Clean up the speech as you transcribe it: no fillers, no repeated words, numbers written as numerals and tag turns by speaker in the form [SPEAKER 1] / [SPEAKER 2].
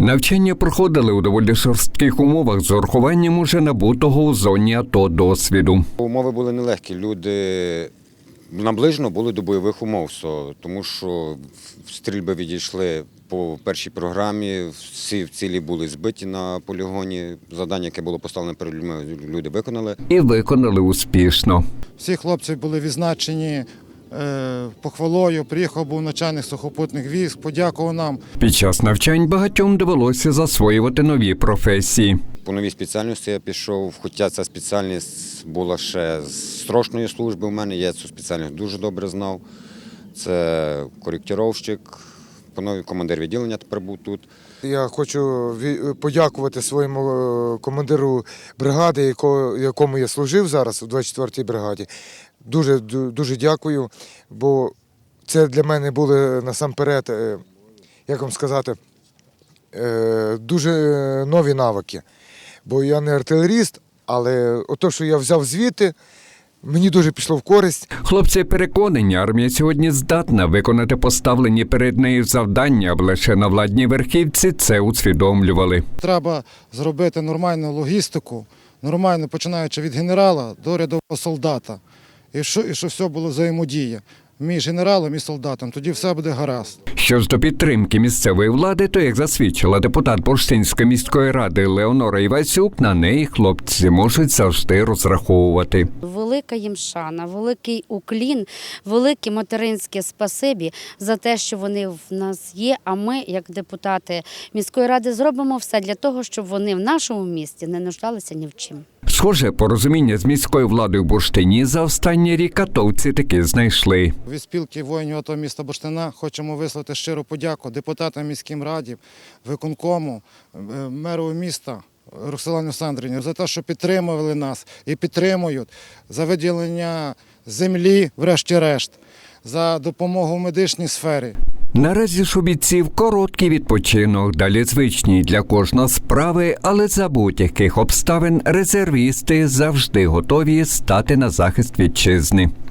[SPEAKER 1] Навчання проходили у доволі жорстких умовах з урахуванням уже набутого у зоні АТО досвіду.
[SPEAKER 2] Умови були нелегкі. Люди наближено були до бойових умов, тому що стрільби відійшли по першій програмі, всі цілі були збиті на полігоні. Завдання, яке було поставлене перед людьми, люди виконали.
[SPEAKER 1] І виконали успішно.
[SPEAKER 3] Всі хлопці були відзначені похвалою, приїхав був начальник сухопутних військ, подякував нам.
[SPEAKER 1] Під час навчань багатьом довелося засвоювати нові професії.
[SPEAKER 2] По новій спеціальності я пішов, хоча ця спеціальність була ще з строчної служби в мене, я цю спеціальність дуже добре знав. Це коректировщик, командир відділення тепер був тут.
[SPEAKER 4] Я хочу подякувати своєму командиру бригади, якому я служив зараз у 24-й бригаді. Дуже дякую, бо це для мене були насамперед, як вам сказати, дуже нові навики. Бо я не артилеріст, але те, що я взяв звідти, мені дуже пішло в користь.
[SPEAKER 1] Хлопці переконані, армія сьогодні здатна виконати поставлені перед нею завдання, аби лише на владній верхівці це усвідомлювали.
[SPEAKER 3] Треба зробити нормальну логістику, нормально починаючи від генерала до рядового солдата. І що все було взаємодія між генералом і солдатом, тоді все буде гаразд.
[SPEAKER 1] Що ж до підтримки місцевої влади, то, як засвідчила депутат Бурштинської міської ради Леонора Івасюк, на неї хлопці можуть завжди розраховувати.
[SPEAKER 5] Велика їм шана, великий уклін, велике материнське спасибі за те, що вони в нас є, а ми, як депутати міської ради, зробимо все для того, щоб вони в нашому місті не нуждалися ні в чим.
[SPEAKER 1] Схоже, порозуміння з міською владою в Бурштині за останній рік атовці таки знайшли.
[SPEAKER 3] Від спілки воїнів АТО міста Бурштина хочемо висловити щиру подяку депутатам міським радів, виконкому, меру міста Роксолані Олександрівні за те, що підтримували нас і підтримують, за виділення землі, врешті-решт, за допомогу в медичній сфері.
[SPEAKER 1] Наразі ж у бійців короткий відпочинок, далі звичні для кожного справи, але за будь-яких обставин резервісти завжди готові стати на захист вітчизни.